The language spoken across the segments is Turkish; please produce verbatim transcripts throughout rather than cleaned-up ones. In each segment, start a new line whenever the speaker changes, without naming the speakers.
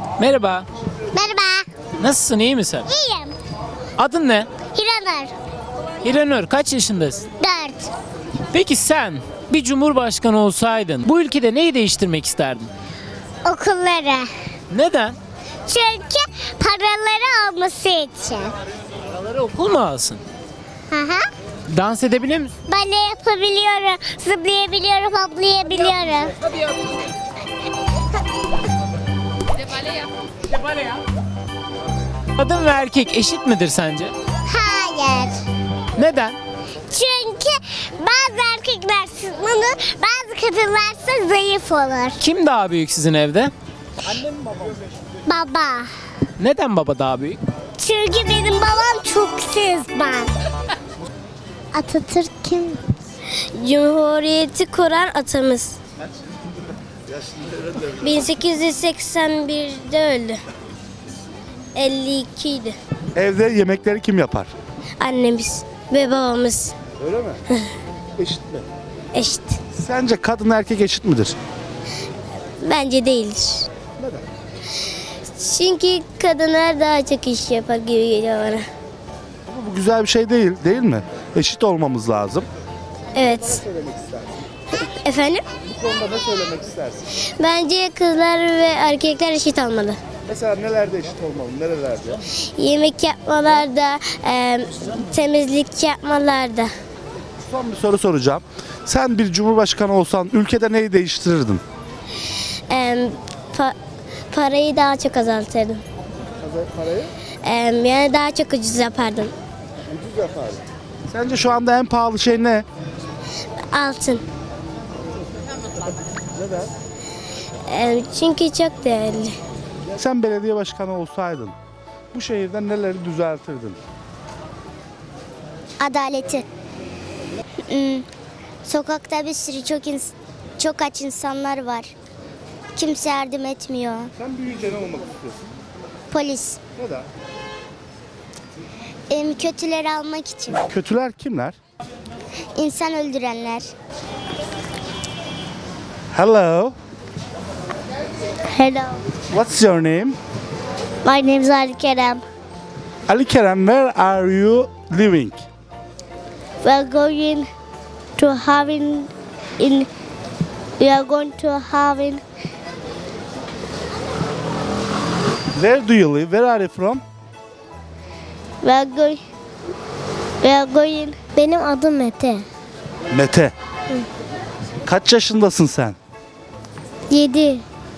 Merhaba.
Merhaba.
Nasılsın, iyi misin?
İyiyim.
Adın ne?
Hiranur.
İranur, kaç yaşındasın?
Dört.
Peki sen bir cumhurbaşkanı olsaydın bu ülkede neyi değiştirmek isterdin?
Okulları.
Neden?
Çünkü paraları olması için.
Paraları okul mu alsın?
Hı hı.
Dans edebilir misin?
Bale yapabiliyorum, zıplayabiliyorum, hoplayabiliyorum.
Hadi yap. İşte bale yap. Kadın ve erkek eşit midir sence?
Hayır.
Neden?
Çünkü bazı erkekler sınırlı, bazı kadınlarsa zayıf olur.
Kim daha büyük sizin evde?
Baba.
Neden baba daha büyük?
Çünkü benim babam çok sızman. Atatürk kim?
Cumhuriyeti kuran atamız. bin sekiz yüz seksen birde öldü. elli iki idi.
Evde yemekleri kim yapar?
Annemiz ve babamız
Öyle mi? Eşit mi?
eşit.
Sence kadın erkek eşit midir?
Bence değildir.
Neden?
Çünkü kadınlar daha çok iş yapar gibi geliyor bana.
Ama bu güzel bir şey değil, değil mi? Eşit olmamız lazım.
Evet. Efendim?
Bu konuda ne söylemek istersin?
Bence kızlar ve erkekler eşit olmalı.
Mesela nelerde eşit olmalı, nerelerde?
Yemek yapmalarda, e, temizlik yapmalarda.
Son bir soru soracağım. Sen bir cumhurbaşkanı olsan ülkede neyi değiştirirdin?
E, pa- parayı daha çok azaltırdım.
Parayı
E, yani daha çok ucuz yapardım.
ucuz yapardın. Sence şu anda en pahalı şey ne?
Altın.
Neden?
E, çünkü çok değerli.
Sen belediye başkanı olsaydın bu şehirde neleri düzeltirdin?
Adaleti. Hmm, Sokakta bir sürü çok ins- çok aç insanlar var. Kimse yardım etmiyor.
Sen büyüyünce ne olmak istiyorsun?
Polis.
Neden?
Em, kötüleri almak için.
Kötüler kimler?
İnsan öldürenler.
Hello.
Hello.
What's your name?
My name is Ali Kerem.
Ali Kerem, where are you living?
We are going to having in we are going to having
Where do you live? Where are you from?
we are going we are going Benim adım Mete.
Mete. Kaç yaşındasın sen?
yedi.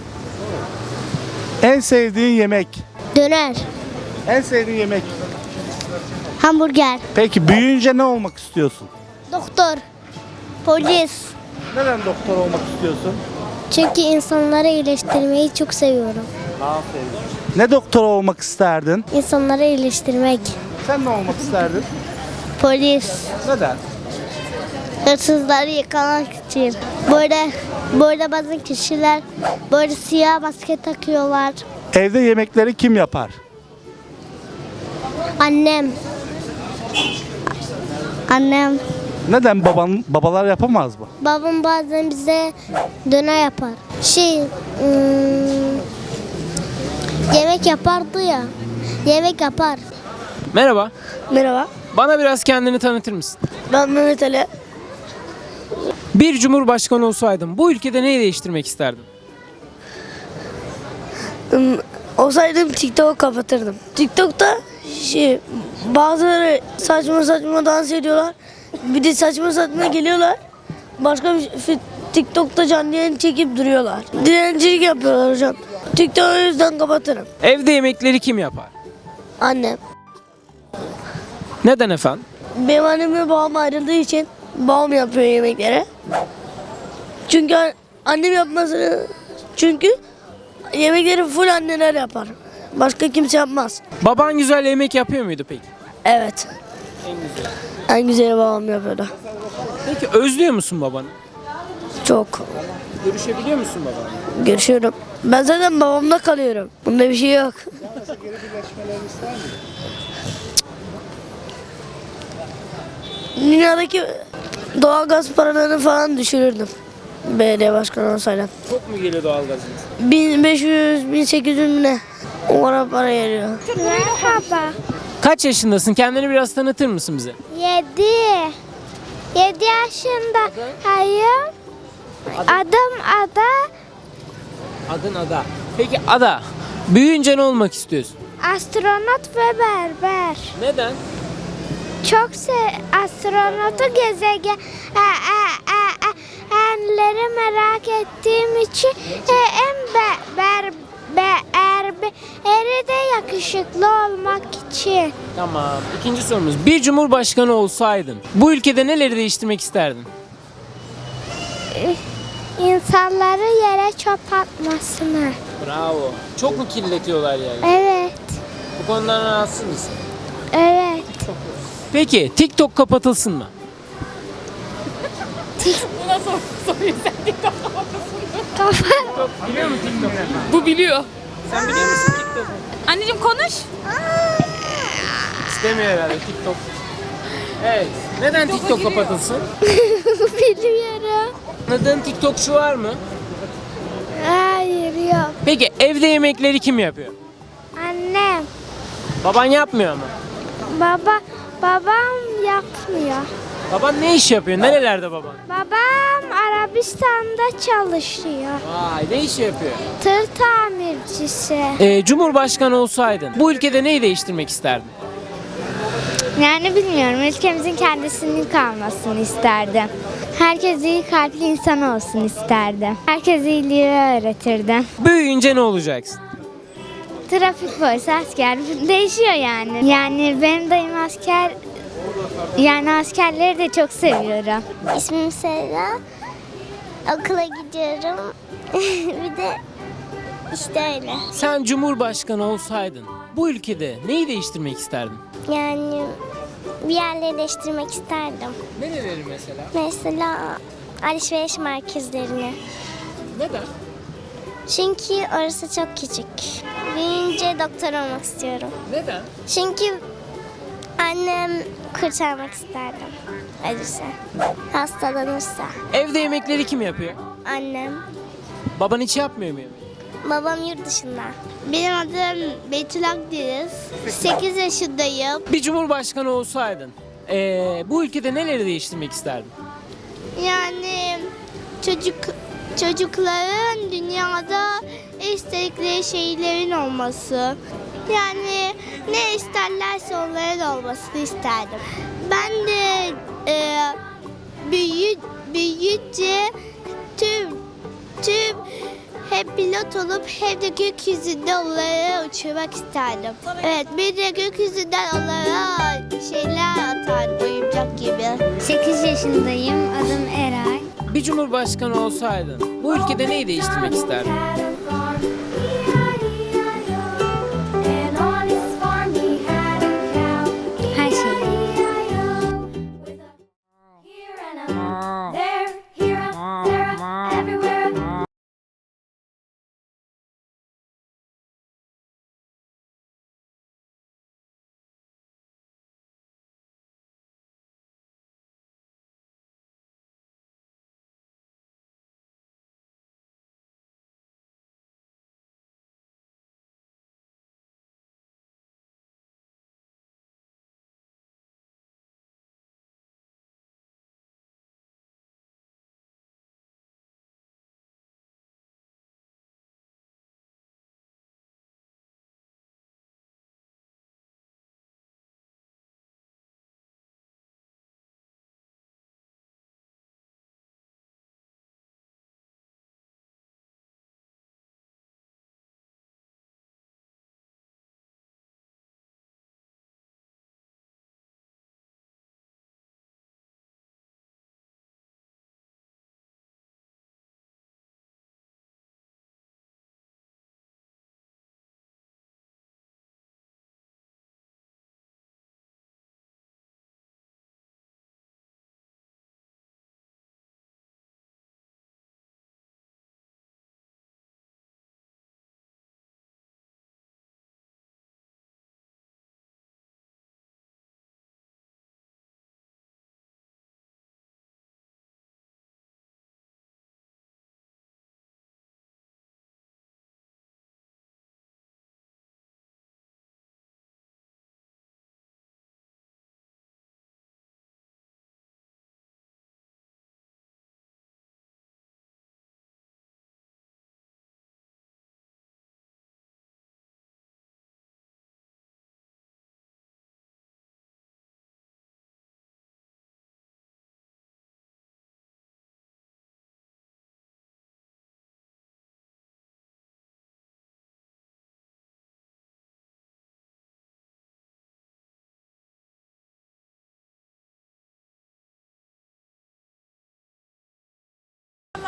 En sevdiğin yemek?
Döner.
En sevdiğin yemek.
Hamburger.
Peki büyüyünce ne olmak istiyorsun?
Doktor. Polis.
Neden doktor olmak istiyorsun?
Çünkü insanları iyileştirmeyi çok seviyorum.
Aferin. Ne doktor olmak isterdin?
İnsanları iyileştirmek.
Sen ne olmak isterdin?
Polis.
Neden?
Hırsızları yakalamak için. Böyle böyle bazı kişiler böyle siyah maske takıyorlar.
Evde yemekleri kim yapar?
Annem. Annem.
Neden baban babalar yapamaz mı?
Babam bazen bize döner yapar. Şey, ım, yemek yapardı ya. Yemek yapar.
Merhaba.
Merhaba.
Bana biraz kendini tanıtır mısın?
Ben Mehmet Ali.
Bir cumhurbaşkanı olsaydın bu ülkede neyi değiştirmek isterdin?
Olsaydım TikTok'u kapatırdım. TikTok'ta şey, bazıları saçma saçma dans ediyorlar. Bir de saçma saçma geliyorlar. Başka bir şey- TikTok'ta canlı yayın çekip duruyorlar. Dilencilik yapıyorlar hocam. TikTok'u o yüzden kapatırım.
Evde yemekleri kim yapar?
Annem.
Neden efendim?
Benim annem ve babam ayrıldığı için babam yapıyor yemekleri. Çünkü an- annem yapmasını... Çünkü yemekleri full anneler yapar. Başka kimse yapmaz.
Baban güzel yemek yapıyor muydu peki?
Evet. En güzeli babam yapıyordu.
Peki özlüyor musun babanı?
Çok.
Görüşebiliyor musun babanla?
Görüşüyorum. Ben zaten babamda kalıyorum. Bunda bir şey yok. Dünyadaki doğalgaz paralarını falan düşürürdüm. belediye başkanı olsaydım.
Çok mu geliyor doğalgazınız?
bin beş yüz bin sekiz yüz ne? O kadar para geliyor.
Merhaba.
Kaç yaşındasın? Kendini biraz tanıtır mısın bize?
Yedi. Yedi yaşında. Hayır. Adım Ada.
Adın Ada. Peki Ada, büyüyünce ne olmak istiyorsun?
Astronot ve berber.
Neden?
Çok se astronotu gezegen e, e, e, e, enleri merak ettiğim için e, en be, ber, be, erbe, eri de yakışıklı olmak için.
Tamam. İkinci sorumuz. Bir cumhurbaşkanı olsaydın bu ülkede neleri değiştirmek isterdin?
İnsanları yere çöp atmasını.
Bravo. Çok mu kirletiyorlar yani?
Evet.
Bu konudan rahatsız mısın?
Evet.
Peki TikTok kapatılsın mı?
Kafa.
Biliyor musun TikTok'u?
Bu biliyor.
Sen biliyor musun TikTok'u?
Anneciğim konuş.
İstemiyor herhalde TikTok. Evet. Neden TikTok kapatılsın?
Biliyorum.
Anladığın TikTokçu var mı?
Hayır yok.
Peki evde yemekleri kim yapıyor?
Annem.
Baban yapmıyor mu?
Baba. Babam yapmıyor.
Baban ne iş yapıyor? Nerelerde baban?
Babam Arabistan'da çalışıyor.
Vay, ne iş yapıyor?
Tır tamircisi.
Ee, Cumhurbaşkanı olsaydın bu ülkede neyi değiştirmek isterdin?
Yani bilmiyorum. Ülkemizin kendisinin kalmasını isterdim. Herkes iyi kalpli insan olsun isterdim. Herkes iyiliği öğretirdim.
Büyüyünce ne olacaksın?
Trafik polisi, asker değişiyor yani. Yani benim dayım asker. Yani askerleri de çok seviyorum. İsmim Serra. Okula gidiyorum. Bir de işte öyle.
Sen Cumhurbaşkanı olsaydın bu ülkede neyi değiştirmek isterdin?
Yani bir yerleri değiştirmek isterdim.
Nereleri mesela?
Mesela alışveriş merkezlerini.
Neden?
Çünkü orası çok küçük. Büyüyünce doktor olmak istiyorum.
Neden?
Çünkü annem kurtarmak isterdim. Ölürse. Hastalanırsa.
Evde yemekleri kim yapıyor?
Annem.
Baban hiç yapmıyor mu yemeği?
Babam yurt dışında. Benim adım Betül Akdeniz. sekiz yaşındayım.
Bir cumhurbaşkanı olsaydın ee, bu ülkede neleri değiştirmek isterdin?
Yani çocuk çocukların dünyada istedikleri şeylerin olması. Yani ne isterlerse onların olmasını isterdim. Ben de e, büyü, büyüyünce tüm tüm hep pilot olup hem de gökyüzünde onları uçurmak isterdim. Evet, bir de gökyüzünden onlara şeyler atardım, oyuncak gibi. sekiz yaşındayım, adım Eray.
Bir cumhurbaşkanı olsaydın bu ülkede neyi değiştirmek isterdin?
Her şeyi.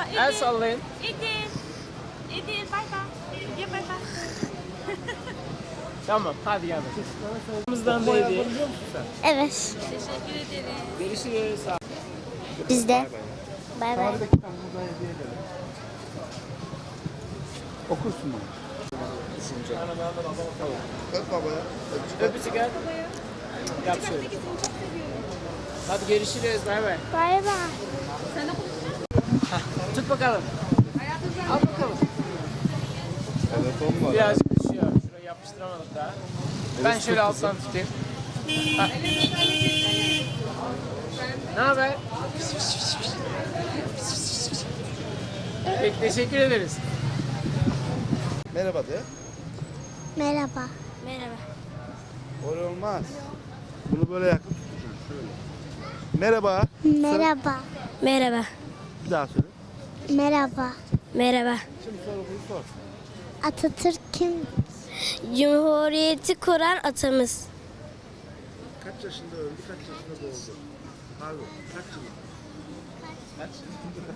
El sallayın.
İdil. İdil bay bay. Ya bay bay.
Tamam hadi gel bakalım. Bizden da hediye.
Evet.
Teşekkür ederim.
Görüşürüz.
Bizde. Bay bay.
Okursun bana.
Öpücük gel. Yap şöyle. Hadi görüşürüz. Bay bay.
Bay bay.
Tut bakalım. Al bakalım.
Telefon var.
Birazcık düşüyor. Şurayı yapıştıramadık daha. Ben şöyle alttan tutayım. Ha. Ne haber? Peki teşekkür ederiz.
Merhaba de.
Merhaba.
Merhaba.
Öyle olmaz. Bunu böyle yakın tutacaksın. Şöyle. Merhaba.
Merhaba.
Merhaba.
Bir daha söyle.
Merhaba.
Merhaba.
Şimdi sor bunu sor.
Atatürk kim?
Cumhuriyeti kuran atamız.
Kaç yaşında öldü, kaç yaşında doğdu? Pardon, kaç yıl? Kaç?